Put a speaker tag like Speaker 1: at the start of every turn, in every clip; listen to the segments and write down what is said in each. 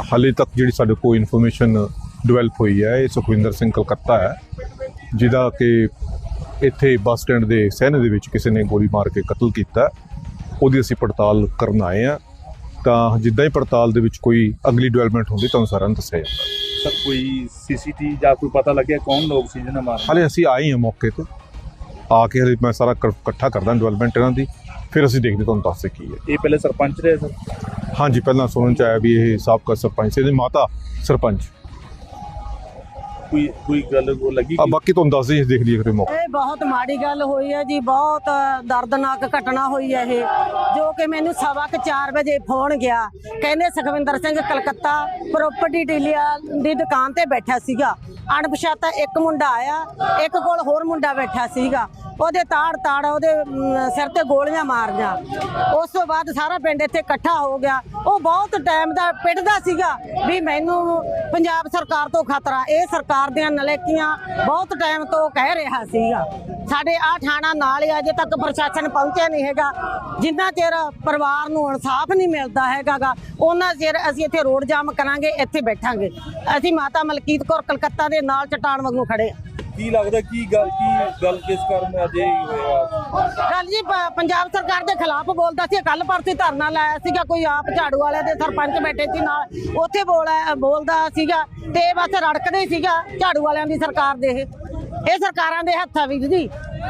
Speaker 1: ਹਾਲੇ तक जी साढ़े को इन्फॉर्मेशन डिवेलप हुई है, ये सुखविंदर सिंह कलकत्ता है, जिहदा कि इत्थे बस स्टैंड के सहने दे विच किसी ने गोली मार के कतल किया। उहदी असीं पड़ताल करन आए हैं, तां जिद्दां ही पड़ताल दे विच कोई अगली डिवेलपमेंट होंदी तुहानूं सारिआं नूं दस्सिआ जांदा।
Speaker 2: सर कोई सीसीटीवी या कोई पता लगे कौन लोग सी जिन्हें मारा?
Speaker 1: हाले असीं आए हैं मौके ते, आके हले मैं सारा इकट्ठा करदा डिवेलपमेंट इन्हां दी, फिर असीं देखदे तुहानूं दस्सदे की है।
Speaker 2: ये पहले सरपंच रहे सर?
Speaker 1: हाँ जी, पहला सुनने च आया भी ये साबका सरपंच से माता सरपंच।
Speaker 2: कोई गल वो लगी
Speaker 1: बाकी तुहानूं दस देख लीजिए फिर मौका।
Speaker 3: बहुत माड़ी गल हुई है जी, बहुत दर्दनाक घटना हुई है ये, जो कि मैनू 4:15 बजे फोन गया, कहने सुखविंदर सिंह कलकत्ता प्रॉपर्टी डीलर दी दुकान ते बैठा सीगा। अणपछाता एक मुंडा आया, एक कोल होर मुंडा बैठा सीगा, ਉਹਦੇ ਤਾੜ ਉਹਦੇ ਸਿਰ ਤੇ ਗੋਲੀਆਂ ਮਾਰੀਆਂ। ਉਸ ਤੋਂ ਬਾਅਦ ਸਾਰਾ ਪਿੰਡ ਇੱਥੇ ਇਕੱਠਾ ਹੋ ਗਿਆ। ਉਹ ਬਹੁਤ ਟਾਈਮ ਦਾ ਪਿੱਟਦਾ ਸੀਗਾ ਵੀ ਮੈਨੂੰ ਪੰਜਾਬ ਸਰਕਾਰ ਤੋਂ ਖਤਰਾ, ਇਹ ਸਰਕਾਰ ਦੀਆਂ ਨਲੇਕੀਆਂ ਬਹੁਤ ਟਾਈਮ ਤੋਂ ਕਹਿ ਰਿਹਾ ਸੀਗਾ। ਸਾਡੇ ਆ ਥਾਣਾ ਨਾਲ ਹੀ ਅਜੇ ਤੱਕ ਪ੍ਰਸ਼ਾਸਨ ਪਹੁੰਚਿਆ ਨਹੀਂ ਹੈਗਾ। ਜਿੰਨਾ ਚਿਰ ਪਰਿਵਾਰ ਨੂੰ ਇਨਸਾਫ ਨਹੀਂ ਮਿਲਦਾ ਹੈਗਾ ਉਹਨਾਂ ਚਿਰ ਅਸੀਂ ਇੱਥੇ ਰੋਡ ਜਾਮ ਕਰਾਂਗੇ, ਇੱਥੇ ਬੈਠਾਂਗੇ। ਅਸੀਂ ਮਾਤਾ ਮਲਕੀਤ ਕੌਰ ਕਲਕੱਤਾ ਦੇ ਨਾਲ ਚਟਾਨ ਵਾਂਗੂ ਖੜੇ।
Speaker 2: ਕੀ ਲੱਗਦਾ ਕੀ ਗੱਲ ਕਿਸ ਕਾਰਨ ਅੱਜ ਇਹ ਹੋਇਆ?
Speaker 3: ਕੱਲ ਜੀ ਪੰਜਾਬ ਸਰਕਾਰ ਦੇ ਖਿਲਾਫ ਬੋਲਦਾ ਸੀ। ਕੱਲ ਪਰਸੋਂ ਧਰਨਾ ਲਾਇਆ ਸੀਗਾ, ਕੋਈ ਆਪ ਝਾੜੂ ਵਾਲੇ ਦੇ ਸਰਪੰਚ ਬੈਠੇ ਸੀ ਨਾਲ, ਉੱਥੇ ਬੋਲਦਾ ਸੀਗਾ ਤੇ ਬਸ ਰੜਕਦੇ ਸੀਗਾ ਝਾੜੂ ਵਾਲਿਆਂ ਦੀ ਸਰਕਾਰ ਦੇ। ਇਹ ਸਰਕਾਰਾਂ ਦੇ ਹੱਥਾਂ ਵਿੱਚ ਜੀ,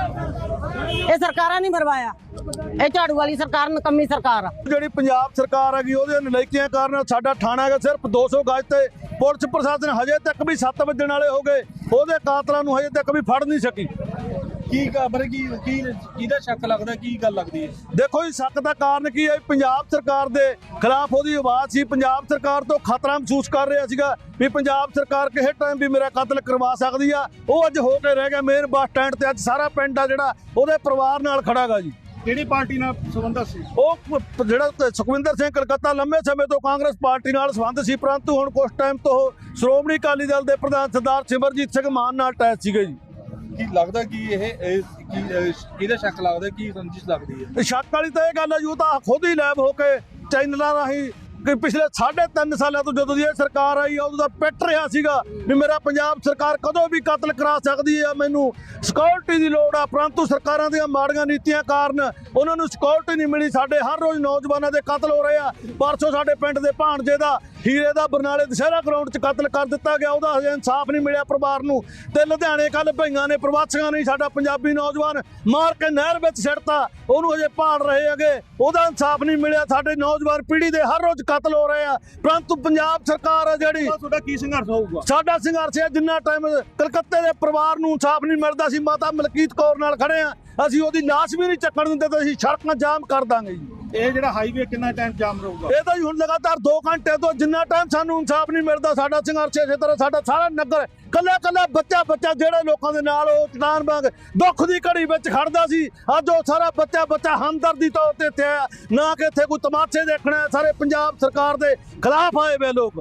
Speaker 3: ਇਹ ਸਰਕਾਰਾਂ ਨਹੀਂ ਮਰਵਾਇਆ, ਇਹ ਝਾੜੂ ਵਾਲੀ ਸਰਕਾਰ ਨਕੰਮੀ ਸਰਕਾਰ ਆ।
Speaker 4: ਜਿਹੜੀ ਪੰਜਾਬ ਸਰਕਾਰ ਹੈਗੀ ਉਹਦੇ ਨਲਾਇਕੀਆਂ ਕਾਰਨ ਸਾਡਾ ਥਾਣਾ ਹੈਗਾ ਸਿਰਫ 200 ਗਜ ਤੇ ਪੁਲਿਸ ਪ੍ਰਸ਼ਾਸਨ ਹਜੇ ਤੱਕ ਵੀ 7 ਵਜਣ ਵਾਲੇ ਹੋ ਗਏ, ਉਹਦੇ ਕਾਤਲਾਂ ਨੂੰ ਹਜੇ ਤੱਕ ਵੀ ਫੜ ਨਹੀਂ ਸਕੀ।
Speaker 2: ਕੀ ਖਬਰ ਕਿਹਦਾ ਸ਼ੱਕ ਲੱਗਦਾ, ਕੀ ਗੱਲ ਲੱਗਦੀ ਹੈ?
Speaker 4: ਦੇਖੋ ਜੀ, ਸ਼ੱਕ ਦਾ ਕਾਰਨ ਕੀ ਹੈ? ਪੰਜਾਬ ਸਰਕਾਰ ਦੇ ਖਿਲਾਫ ਉਹਦੀ ਆਵਾਜ਼ ਸੀ। ਪੰਜਾਬ ਸਰਕਾਰ ਤੋਂ ਖਤਰਾ ਮਹਿਸੂਸ ਕਰ ਰਿਹਾ ਸੀਗਾ ਵੀ ਪੰਜਾਬ ਸਰਕਾਰ ਕਿਸੇ ਟਾਈਮ ਵੀ ਮੇਰਾ ਕਤਲ ਕਰਵਾ ਸਕਦੀ ਆ। ਉਹ ਅੱਜ ਹੋ ਕੇ ਰਹਿ ਗਿਆ ਮੇਨ ਬੱਸ ਸਟੈਂਡ ਤੇ। ਅੱਜ ਸਾਰਾ ਪਿੰਡ ਆ ਜਿਹੜਾ ਉਹਦੇ ਪਰਿਵਾਰ ਨਾਲ ਖੜਾ ਗਾ ਜੀ।
Speaker 2: ਕਿਹੜੀ ਪਾਰਟੀ ਨਾਲ ਸੰਬੰਧ ਸੀ?
Speaker 4: ਉਹ ਜਿਹੜਾ ਸੁਖਵਿੰਦਰ ਸਿੰਘ ਕਲਕੱਤਾ ਲੰਮੇ ਸਮੇਂ ਤੋਂ ਕਾਂਗਰਸ ਪਾਰਟੀ ਨਾਲ ਸੰਬੰਧ ਸੀ, ਪਰੰਤੂ ਹੁਣ ਕੁਝ ਟਾਈਮ ਤੋਂ ਸ਼੍ਰੋਮਣੀ ਅਕਾਲੀ ਦਲ ਦੇ ਪ੍ਰਧਾਨ ਸਰਦਾਰ ਸਿਮਰਜੀਤ ਸਿੰਘ ਮਾਨ ਨਾਲ ਅਟੈਚ ਸੀਗੇ ਜੀ।
Speaker 2: ਕੀ ਲੱਗਦਾ ਕਿ ਇਹ ਕਿਹਦਾ ਸ਼ੱਕ ਲੱਗਦਾ, ਕੀ ਰੰਜਿਸ਼ ਲੱਗਦੀ ਹੈ?
Speaker 4: ਸ਼ੱਕ ਵਾਲੀ ਤਾਂ ਇਹ ਗੱਲ ਹੈ ਜੀ, ਉਹ ਤਾਂ ਖੁਦ ਹੀ ਲੈਬ ਹੋ ਕੇ ਚੈਨਲਾਂ ਰਾਹੀਂ ਕਿ ਪਿਛਲੇ 3.5 ਸਾਲਾਂ ਤੋਂ ਜਦੋਂ ਦੀ ਇਹ ਸਰਕਾਰ ਆਈ ਆ ਉਦੋਂ ਦਾ ਪਿੱਟ ਰਿਹਾ ਸੀਗਾ ਵੀ ਮੇਰਾ ਪੰਜਾਬ ਸਰਕਾਰ ਕਦੋਂ ਵੀ ਕਤਲ ਕਰਾ ਸਕਦੀ ਹੈ, ਮੈਨੂੰ ਸਿਕਿਉਰਿਟੀ ਦੀ ਲੋੜ ਆ। ਪਰੰਤੂ ਸਰਕਾਰਾਂ ਦੀਆਂ ਮਾੜੀਆਂ ਨੀਤੀਆਂ ਕਾਰਨ ਉਹਨਾਂ ਨੂੰ ਸਿਕਿਉਰਿਟੀ ਨਹੀਂ ਮਿਲੀ। ਸਾਡੇ ਹਰ ਰੋਜ਼ ਨੌਜਵਾਨਾਂ ਦੇ ਕਤਲ ਹੋ ਰਹੇ ਆ। ਪਰਸੋਂ ਸਾਡੇ ਪਿੰਡ ਦੇ ਭਾਣਜੇ ਦਾ ਹੀਰੇ ਦਾ ਬਰਨਾਲੇ ਦੁਸ਼ਹਿਰਾ ਗਰਾਊਂਡ 'ਚ ਕਤਲ ਕਰ ਦਿੱਤਾ ਗਿਆ, ਉਹਦਾ ਹਜੇ ਇਨਸਾਫ ਨਹੀਂ ਮਿਲਿਆ ਪਰਿਵਾਰ ਨੂੰ। ਤੇ ਲੁਧਿਆਣੇ ਕੱਲ ਭਈਆਂ ਨੇ ਪ੍ਰਵਾਸੀਆਂ ਨੇ ਸਾਡਾ ਪੰਜਾਬੀ ਨੌਜਵਾਨ ਮਾਰ ਕੇ ਨਹਿਰ ਵਿੱਚ ਸਿੱਟਤਾ, ਉਹਨੂੰ ਹਜੇ ਭਾਲ ਰਹੇ ਹੈਗੇ, ਉਹਦਾ ਇਨਸਾਫ ਨਹੀਂ ਮਿਲਿਆ। ਸਾਡੇ ਨੌਜਵਾਨ ਪੀੜ੍ਹੀ ਦੇ ਹਰ ਰੋਜ਼ ਕਤਲ ਹੋ ਰਹੇ ਆ। ਪਰੰਤੂ ਪੰਜਾਬ ਸਰਕਾਰ ਆ ਜਿਹੜੀ,
Speaker 2: ਤੁਹਾਡਾ ਕੀ ਸੰਘਰਸ਼ ਹੋਊਗਾ?
Speaker 4: ਸਾਡਾ ਸੰਘਰਸ਼ ਹੈ ਜਿੰਨਾ ਟਾਈਮ ਕਲਕੱਤੇ ਦੇ ਪਰਿਵਾਰ ਨੂੰ ਇਨਸਾਫ ਨਹੀਂ ਮਿਲਦਾ ਸੀ, ਮਾਤਾ ਮਲਕੀਤ ਕੌਰ ਨਾਲ ਖੜੇ ਆ। ਅਸੀਂ ਉਹਦੀ ਲਾਸ਼ ਵੀ ਨਹੀਂ ਚੱਕਣ ਦਿੰਦੇ ਤੇ ਅਸੀਂ ਸੜਕਾਂ ਜਾਮ ਕਰ ਦਾਂਗੇ ਜੀ।
Speaker 2: ਇਹ ਜਿਹੜਾ ਹਾਈਵੇ ਕਿੰਨਾ ਟਾਈਮ ਜਾਮ ਰਹੂਗਾ?
Speaker 4: ਇਹ ਤਾਂ ਹੁਣ ਲਗਾਤਾਰ 2 ਘੰਟੇ ਤੋਂ ਜਿੰਨਾ ਟਾਈਮ ਸਾਨੂੰ ਇਨਸਾਫ ਨਹੀਂ ਮਿਲਦਾ ਸਾਡਾ ਸੰਘਰਸ਼ ਇਸੇ ਤਰ੍ਹਾਂ। ਸਾਡਾ ਸਾਰਾ ਨਗਰ ਕੱਲਾ ਬੱਚਾ ਜਿਹੜੇ ਲੋਕਾਂ ਦੇ ਨਾਲ ਉਹ ਚਟਾਨ ਵਾਂਗ ਦੁੱਖ ਦੀ ਘੜੀ ਵਿੱਚ ਖੜਦਾ ਸੀ, ਅੱਜ ਉਹ ਸਾਰਾ ਬੱਚਾ ਹਮਦਰਦੀ ਤੌਰ ਤੇ ਇੱਥੇ ਆਇਆ, ਨਾ ਕਿ ਇੱਥੇ ਕੋਈ ਤਮਾਸ਼ੇ ਦੇਖਣਾ। ਸਾਰੇ ਪੰਜਾਬ ਸਰਕਾਰ ਦੇ ਖਿਲਾਫ ਆਏ ਵੇ ਲੋਕ।